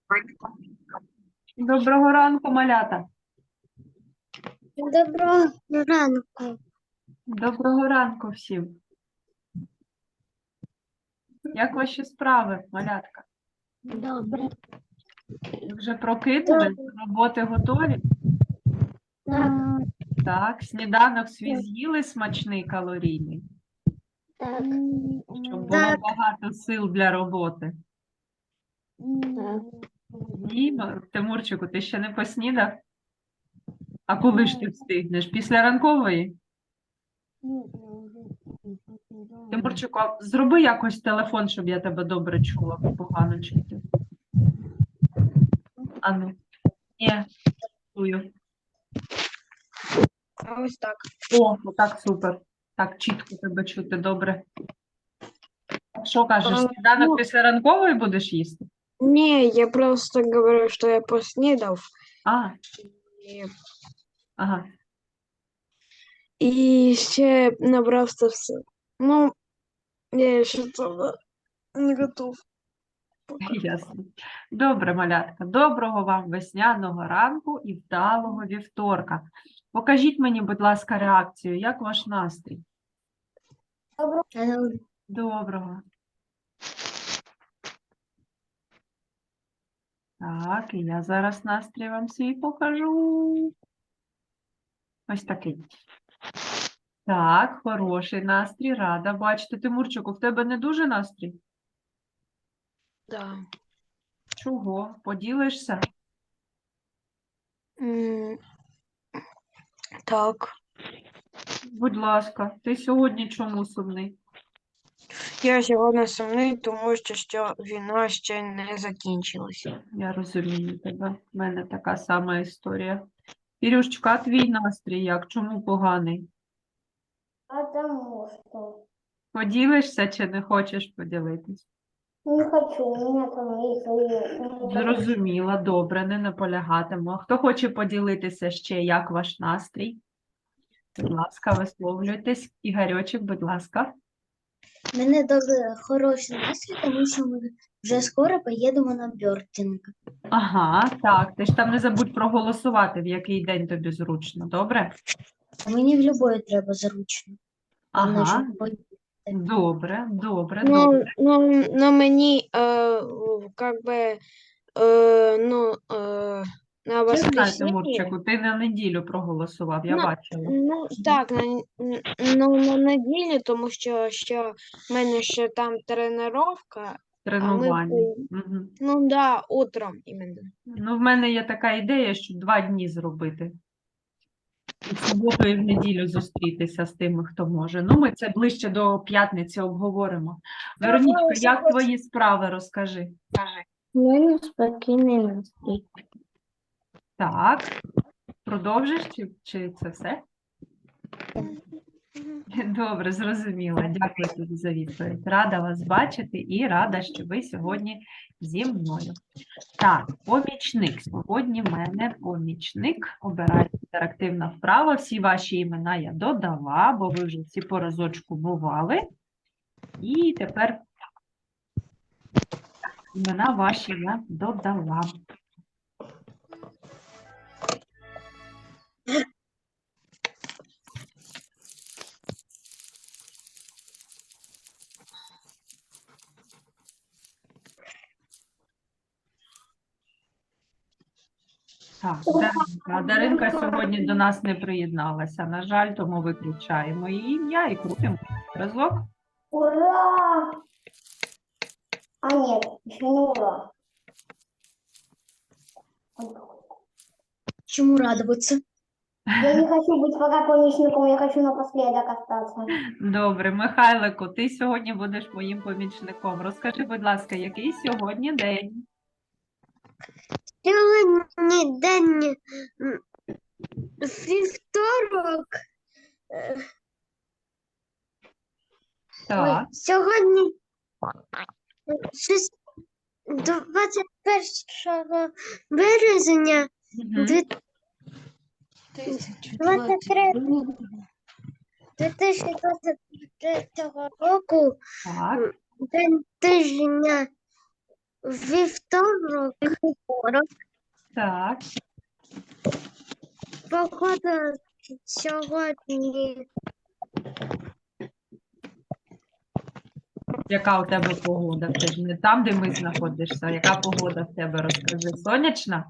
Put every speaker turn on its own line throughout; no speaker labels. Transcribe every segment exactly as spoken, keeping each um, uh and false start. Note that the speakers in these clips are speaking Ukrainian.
Доброго ранку, малята.
Доброго ранку.
Доброго ранку всім. Як ваші справи, малятка?
Добре.
Ви вже прокинулись? Роботи готові?
Так.
Так, сніданок свій з'їли смачний, калорійний,
Так.
щоб було
Так.
багато сил для роботи.
Так.
Ні, Тимурчику, ти ще не поснідав? А коли ж ти встигнеш? Після ранкової? Тимурчику, а зроби якось телефон, щоб я тебе добре чула, бо погано чути. Ану. Ні, чую.
Ось так.
О, так, супер. Так, чітко тебе чути, добре. Що кажеш,
А,
сніданок
ну,
після ранкової будеш їсти?
Не, я просто говорю, что я поснідав.
А,
І,
ага,
і ще набрався все. Ну, я ще цього не готов.
ясно. Добре, малятка. Доброго вам весняного ранку і вдалого вівторка. Покажіть мені, будь ласка, реакцію. Як ваш настрій?
Добре.
Доброго. Так, і я зараз настрій вам свій покажу. Ось такий. Так, хороший настрій, рада бачити. Тимурчику, в тебе не дуже настрій?
Да.
Чого? Поділишся?
М, Так.
Будь ласка, ти сьогодні чому сумний?
Я сьогодні сумний, тому що, що війна ще не закінчилася.
Я розумію тебе. В мене така сама історія. Ірюшечка, а твій настрій як? Чому поганий?
Потому что
Поділишся чи не хочеш поділитись?
не хочу, у меня там есть свои...
Зрозуміла, добре, не наполягатиму. А хто хоче поділитися ще, як ваш настрій? Будь ласка, висловлюйтесь. Ігорьочек, будь ласка.
У мене дуже хороший настрій, тому що ми вже скоро поїдемо на бьортінг.
Ага, так, ти ж там не забудь проголосувати, в який день тобі зручно, добре?
А мені в любої треба зручно. Головне,
Ага,
щоб поїхати.
добре, добре,
Ну,
добре.
ну, ну мені, е, как би, е, ну, е, на
Я знаю,
воскресенье,
Тимурчику, ти на неділю проголосував, я
Ну,
бачила.
ну, так, на, н- ну, на неділю, тому що, що в мене ще там тренування, а ми,
Тренування.
по-
Мгм.
ну, да, утром іменно.
Ну, в мене є така ідея, щоб два дні зробити. І в суботу, і в неділю зустрітися з тими, хто може. Ну, ми це ближче до п'ятниці обговоримо. Веронічка, як твої справи, розкажи.
У мене спокійний настрій.
Так, продовжиш, чи, чи це все? Добре, зрозуміла. Дякую тобі за відповідь. Рада вас бачити і рада, що ви сьогодні зі мною. Так, помічник. Сьогодні в мене помічник. Обирайте інтерактивна вправа. Всі ваші імена я додала, бо ви вже всі по разочку бували. І тепер імена ваші я додала. Так, Даринка. А Даринка сьогодні до нас не приєдналася. На жаль, тому виключаємо її ім'я і крутимо разок.
Ура! А нет, еще не ура.
Чому радуватися?
Я не хочу быть пока помощником, я хочу напоследок остаться.
Добре, Михайлику, ти сьогодні будеш моїм помічником. Розкажи, будь ласка, який сьогодні день?
Сьогодні день м, вівторок. Е,
Так,
Ой, сьогодні шість- двадцять першого березня
мгм,
дві тисячі двадцять третього року,
так,
день тижня Вівторок,
Так.
погода сьогодні
Яка у тебе погода? Це ж не там, де ми знаходишся. Яка погода в тебе, розкажи? Сонячна?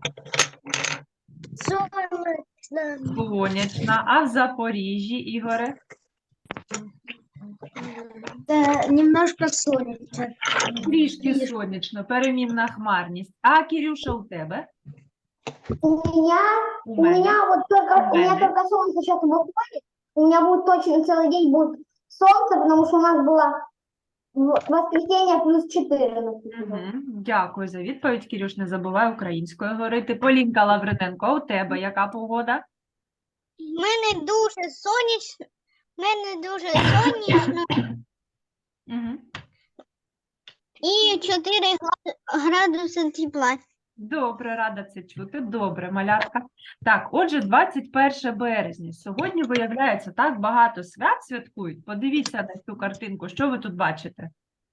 сонячна.
Сонячна. А в Запоріжжі, Ігоре?
Та немножко сонячно.
Трішки сонячно, перемінна хмарність. А, Кирюша, у тебе?
У меня,
У
у
мене?
меня вот только, у меня
Мене.
только солнце сейчас выходит. У меня будет точно целый день будет солнце, потому что у нас было в- воскресенье плюс четырнадцать.
Угу. Дякую за відповідь, Кирюш, не забувай українською говорити. Полінка Лавриненко, а у тебе яка погода?
У мене дуже сонячно, в мене дуже сонячно
Угу.
і чотири гла- градуси тепла.
Добре, рада це чути. Добре, малятка. Так, отже, двадцять перше березня. Сьогодні, виявляється, так багато свят святкують. Подивіться на цю картинку. Що ви тут бачите?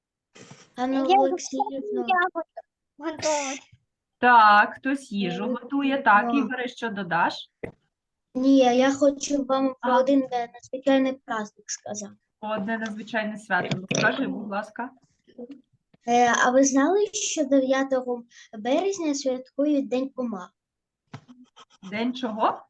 Анна
Я
Олексіївна,
Готова.
Так, хтось їжу
Я
готує. Так,
готова.
Ігоре, що додаш?
ні, я хочу вам про
Ага.
один е, надзвичайний праздник сказати.
Одне надзвичайне свято. Ну, скажи, будь ласка.
Е, а ви знали, що дев'ятого березня святкують День комах?
День чого?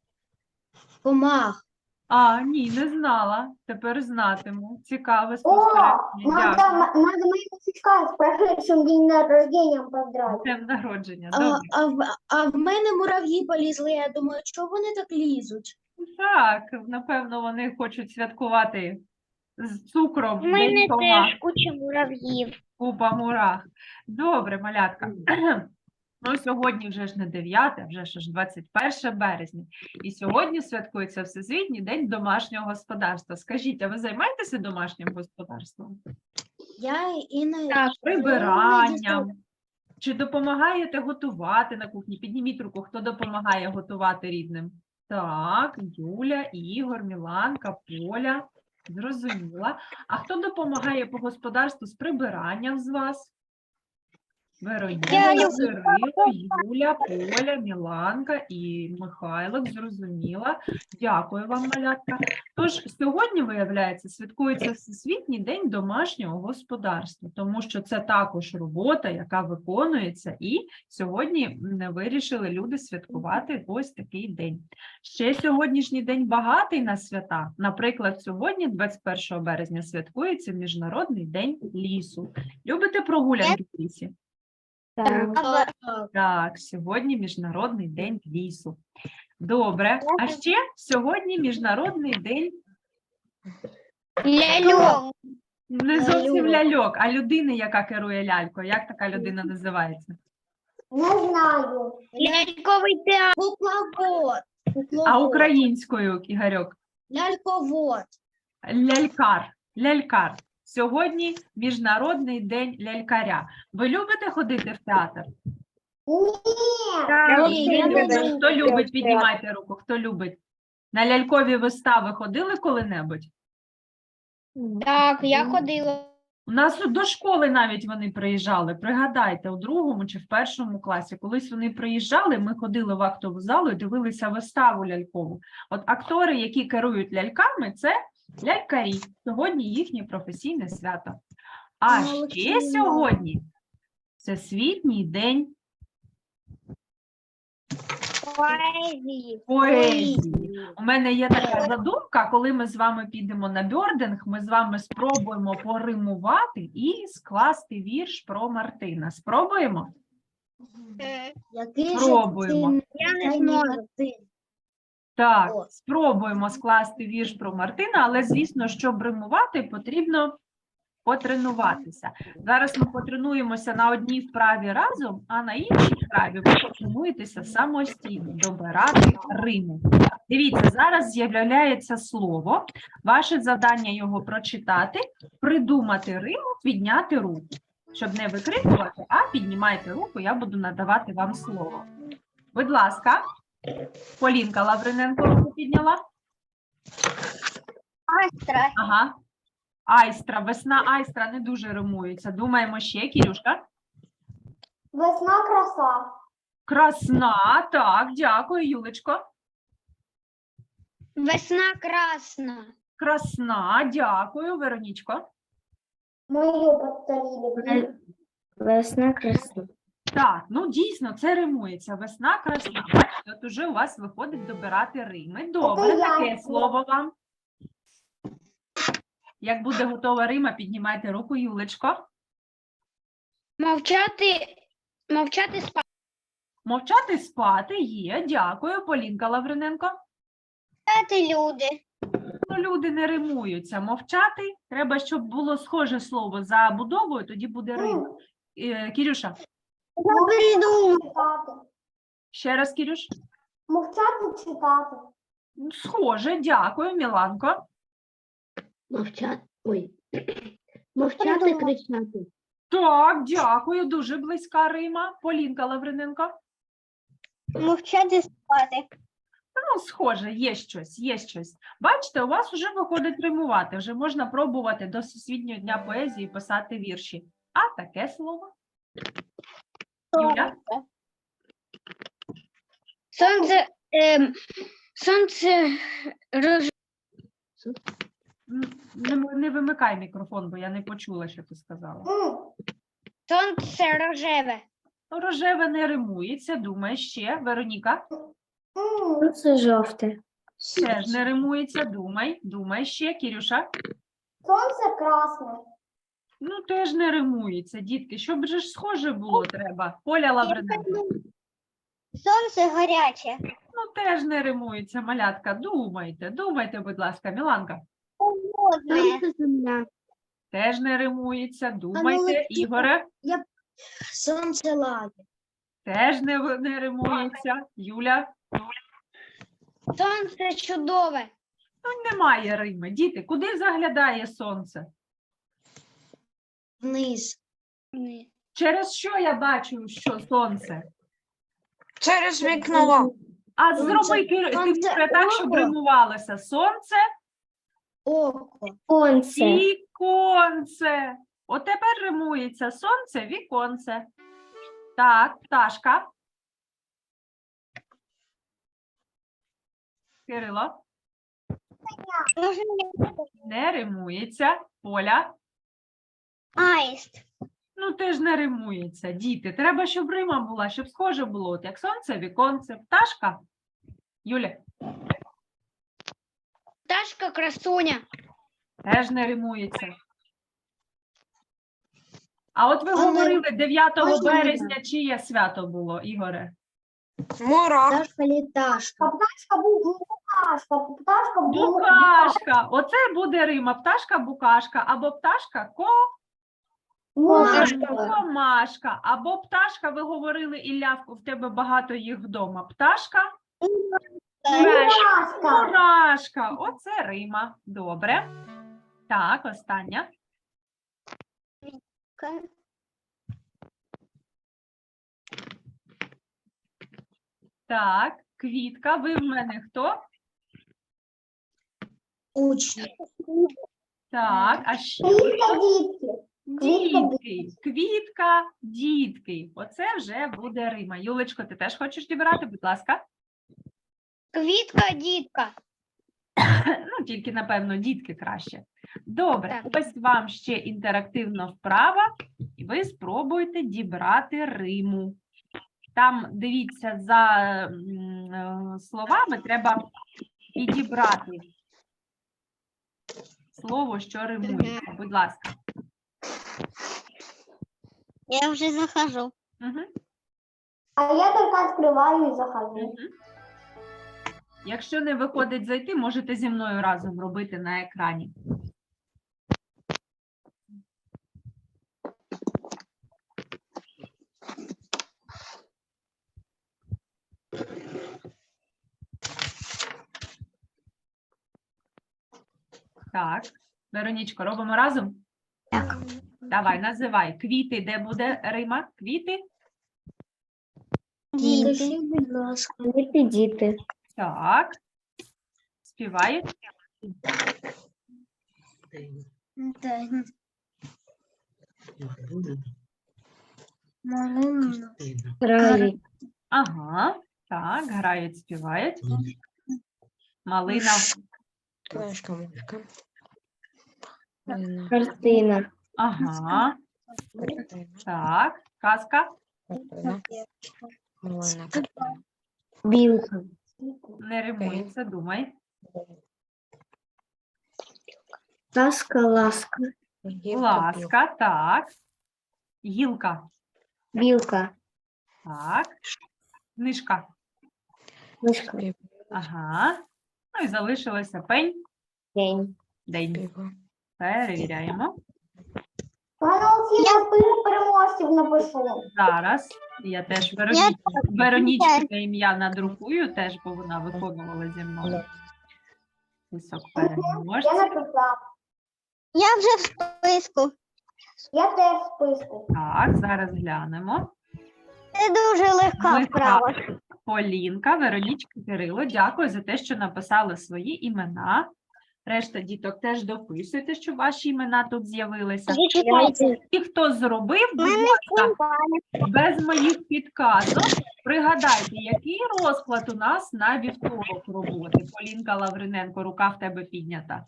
Комах.
А, ні, не знала. Тепер знатиму. Цікаве
О,
спостереження.
надо,
Дякую.
надо моего сучка с прошедшим день рождения поздравить.
Днем народження.
А,
Добре.
а, в, а в мене мурав'ї полізли, я думаю, чого вони так лізуть?
Так, напевно, вони хочуть святкувати з цукром
У
День
мене
комах.
теж куча мурав'їв.
Купа мурах. Добре, малятка. Ну, сьогодні вже ж не дев'яте, вже ж аж двадцять перше березня. І сьогодні святкується Всесвітній день домашнього господарства. Скажіть, а ви займаєтеся домашнім господарством?
Я іноді
Прибиранням? Чи допомагаєте готувати на кухні? Підніміть руку, хто допомагає готувати рідним. Так, Юля, Ігор, Міланка, Поля. Зрозуміла. А хто допомагає по господарству з прибиранням з вас? Вероніка,
Я люблю.
Кирило, Юля, Поля, Міланка і Михайлик. Зрозуміла. Дякую вам, малятка. Тож, сьогодні, виявляється, святкується Всесвітній день домашнього господарства, тому що це також робота, яка виконується, і сьогодні м, вирішили люди святкувати ось такий день. Ще сьогоднішній день багатий на свята. Наприклад, сьогодні, двадцять першого березня, святкується Міжнародний день лісу. Любите прогулянки в лісі? Так, сьогодні Міжнародний день лісу. Добре. А ще сьогодні Міжнародний день
Ляльок.
не зовсім ляльок, а людини, яка керує лялькою. Як така людина називається?
Не знаю.
Ляльковий театр.
кукловод.
А
Кукловод.
українською, Ігорьок?
Ляльковод.
Лялькар. Лялькар. Сьогодні Міжнародний день лялькаря. Ви любите ходити в театр?
Нет.
Ні,
Не
я не
любите.
люблю
Хто любить, піднімайте руку. Хто любить? На лялькові вистави ходили коли-небудь?
Так, я ходила.
У нас до школи навіть вони приїжджали. Пригадайте, у другому чи в першому класі. Колись вони приїжджали, ми ходили в актову залу і дивилися виставу лялькову. От актори, які керують ляльками, це лялькарі. Сьогодні їхнє професійне свято. А ще
Олексіївна.
сьогодні Всесвітній день
Поезії.
поезії. У мене є така задумка, коли ми з вами підемо на бьординг, ми з вами спробуємо поримувати і скласти вірш про Мартина. Спробуємо?
Е,
Який же
Спробуємо.
ти
Я не
звичайний
зможу.
Мартин?
Так,
О.
спробуємо скласти вірш про Мартина, але, звісно, щоб римувати, потрібно потренуватися. Зараз ми потренуємося на одній вправі разом, а на іншій вправі ви потренуєтеся самостійно добирати риму. Дивіться, зараз з'являється слово. Ваше завдання його прочитати, придумати риму, підняти руку. Щоб не викрикувати, а піднімайте руку, я буду надавати вам слово. Будь ласка, Полінка Лавриненко руку підняла.
Астра.
Ага. Айстра, весна айстра не дуже римується. Думаємо ще, Кірюшка.
Весна краса.
Красна, так, дякую, Юлечко.
Весна красна.
Красна, дякую, Веронічко.
Мою повторили.
Весна красна.
Так, ну дійсно, це римується. Весна красна. Бачите, от уже у вас виходить добирати рими. Добре,
я
таке
зробила.
слово вам. Як буде готова рима, піднімайте руку, Юлечко.
Мовчати, мовчати спати.
Мовчати спати є, дякую, Полінка Лавриненко.
люди.
Ну, люди не римуються. Мовчати, треба, щоб було схоже слово за будовою, тоді буде рим. Е, Кірюша,
Читати.
ще раз, Кірюш.
Мовчати читати.
Ну, схоже, дякую, Міланко.
Мовчати. Ой. Мовчати, кричати.
Так, дякую, дуже близька рима. Полінка Лавриненко.
Мовчати спати.
Ну, схоже, є щось, є щось. Бачите, у вас вже виходить римувати, вже можна пробувати до Всесвітнього дня поезії писати вірші. А таке слово? Юля?
Сонце, ем, сонце роз...
М, Не, не вимикай мікрофон, бо я не почула, що ти сказала.
М,
сонце рожеве.
Ну, рожеве не римується, думай ще. Вероніка?
м.
Це жовте.
Теж не римується, думай, думай ще. Кірюша?
Сонце красне.
Ну, теж не римується, дітки. Щоб же ж схоже було треба. Поля Лавриненко.
Сонце гаряче.
Ну, теж не римується, малятка. Думайте, думайте, будь ласка, Міланка.
Холодне.
Сонце, земля.
Теж не римується, думайте, Ігоре.
Сонце лаги.
Теж не, в- не римується. Юля?
Сонце чудове.
Ну, немає рими. Діти, куди заглядає сонце?
Вниз.
Через що я бачу, що сонце?
Через вікно.
А
Сонце-
зроби, Кир-
сонце
Тимуре, так, щоб
око.
римувалося. Сонце,
Око.
Сонце.
віконце. От тепер римується сонце, віконце. Так, пташка. Кирило. Не римується. Поля.
Аїст.
Ну, теж не римується. Діти, треба, щоб рима була, щоб схоже було. От як сонце, віконце, пташка. Юля,
Пташка красуня.
теж не римується. А от ви
Але
говорили, дев'ятого
можна
березня чиє свято було, Ігоре?
Мурах.
Пташка літашка.
Пташка був букашка. Пташка був
Букашка. Оце буде рима. Пташка букашка. Або пташка ко...
букашка.
комашка. Або пташка, ви говорили, Ілля, в тебе багато їх вдома. Пташка,
Мурашка.
мурашка. Оце рима. Добре. Так, остання. Так, квітка. Ви в мене хто?
Учні.
Так, а ще
Квітка дітки.
дітки. Квітка, дітки. Оце вже буде рима. Юлечко, ти теж хочеш дібрати, будь ласка?
Квітка, дітка.
Ну, тільки, напевно, дітки краще. Добре,
Так.
ось вам ще інтерактивна вправа, і ви спробуйте дібрати риму. Там, дивіться, за м, е, словами треба підібрати слово, що римується. Будь ласка.
Я вже захожу.
Угу.
А я тільки відкриваю і захожу.
Угу. Якщо не виходить зайти, можете зі мною разом робити на екрані. Так, Веронічко, робимо разом?
Так.
Давай, називай. Квіти, де буде рима? Квіти?
Скажіть, будь ласка.
Діти, діти.
Так. Співають?
Малина.
Грають.
Ага, так, грають, співають. Малина.
Книжка, мишка.
Картина.
Ага, так. Казка.
Малина.
Білка.
Не римується, думай.
Казка, ласка.
Ласка, так. Гілка.
Білка.
Так. Книжка.
Мишка.
Ага. Ну і залишилося пень.
День.
День. Перевіряємо.
Пане Олексій, я список переможців напишу.
Зараз я теж Вероні... Веронічки ім'я надрукую, теж, бо вона виконувала зі мною. Список
Я
переможців.
написав.
Я вже в списку.
Я теж в списку.
Так, зараз глянемо.
Це дуже легка
Легка.
вправа.
Полінка, Веронічка, Кирило, дякую за те, що написали свої імена. Решта діток теж дописуйте, щоб ваші імена тут з'явилися. І хто зробив, будь ласка, без моїх підказок, пригадайте, який розклад у нас на вівторок роботи. Полінка Лавриненко, рука в тебе піднята.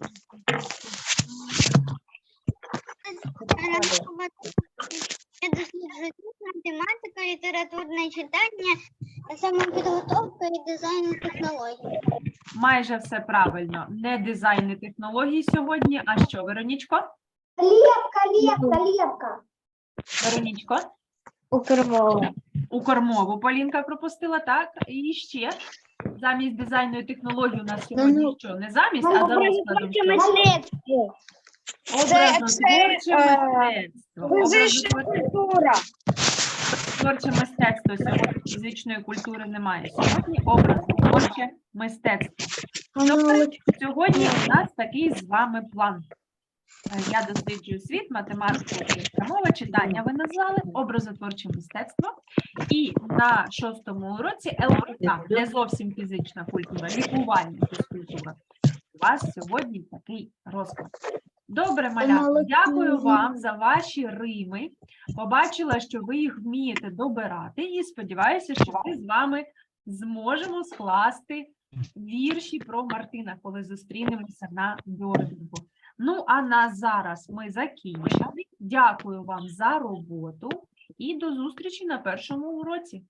Я досліджую математика, літературне читання, самопідготовка і дизайн технологій.
Майже все правильно. Не дизайн і технології сьогодні, а що, Веронічко?
Лепка, лепка, лепка.
Веронічко?
Укрмова.
Укрмову Полінка пропустила, так? І ще замість дизайну і технології у нас сьогодні що? Не замість, а за розкладом. що?
Мистецтво.
Образотворче мистецтво. Образотворче
Культура.
Творче мистецтво сьогодні фізичної культури немає. Сьогодні образотворче мистецтво. Добре, сьогодні у нас такий з вами план. Е, Я досліджую світ, математика, українська мова, читання ви назвали, образотворче мистецтво. І на шостому уроці ЛКК, не зовсім фізична культура, лікувальна фізкультура. У вас сьогодні такий розклад. Добре, малятка, дякую вам за ваші рими. Побачила, що ви їх вмієте добирати, і сподіваюся, що ми з вами зможемо скласти вірші про Мартина, коли зустрінемося на Бьордингу. Ну, а на зараз ми закінчили. Дякую вам за роботу і до зустрічі на першому уроці.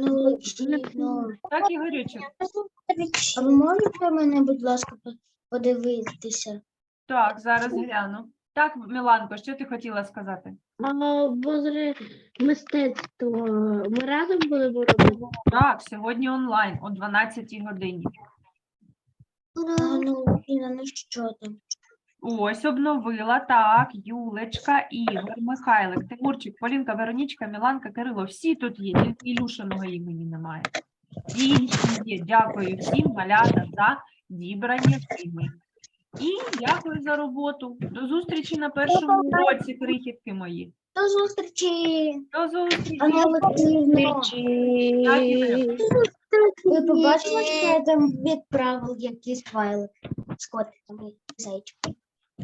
Так, Ігорючик.
А ви можете мене, будь ласка, по- подивитися?
Так, зараз гляну. Так, Міланко, що ти хотіла сказати?
А возле мистецтво ми разом будемо робити?
Так, сьогодні онлайн о дванадцятій годині.
А, ну, Ліна, ну що там?
Ось, обновила, так, Юлечка, Ігор, Михайлик, Тимурчик, Полінка, Веронічка, Міланка, Кирило, всі тут є, тільки Ілюшиного імені немає. І інші є. Дякую всім, малята, за дібрані теми. І дякую за роботу. До зустрічі на першому уроці, крихітки мої.
До зустрічі!
До зустрічі.
Зустрічі!
Так, Ігорю.
Ви побачили, що я там відправив якісь файли з котиками і зайчиками?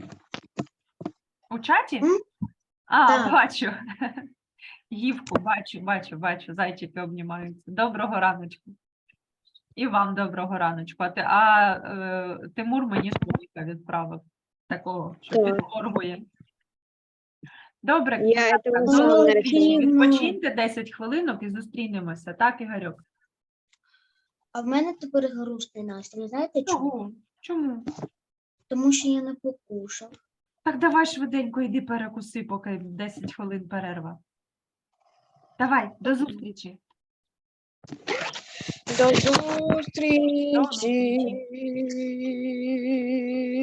У чаті?
М?
А,
Так.
бачу. Гівку, бачу, бачу, бачу, зайчики обнімаються. Доброго раночку. І вам доброго раночку. А, ти, а е, Тимур мені слоника відправив. Такого, що
Так.
підморгує. Добре,
Я
так,
этого
до
знала,
зустрічі.
наверное.
Відпочиньте десять хвилинок і зустрінемося. Так, Ігорьок?
А в мене тепер грустний настрій. Знаєте чому?
Чому? Чому?
Тому що я не покушав.
Так давай швиденько йди перекуси, поки десять хвилин перерва. Давай, до зустрічі.
До зустрічі.
зустрічі.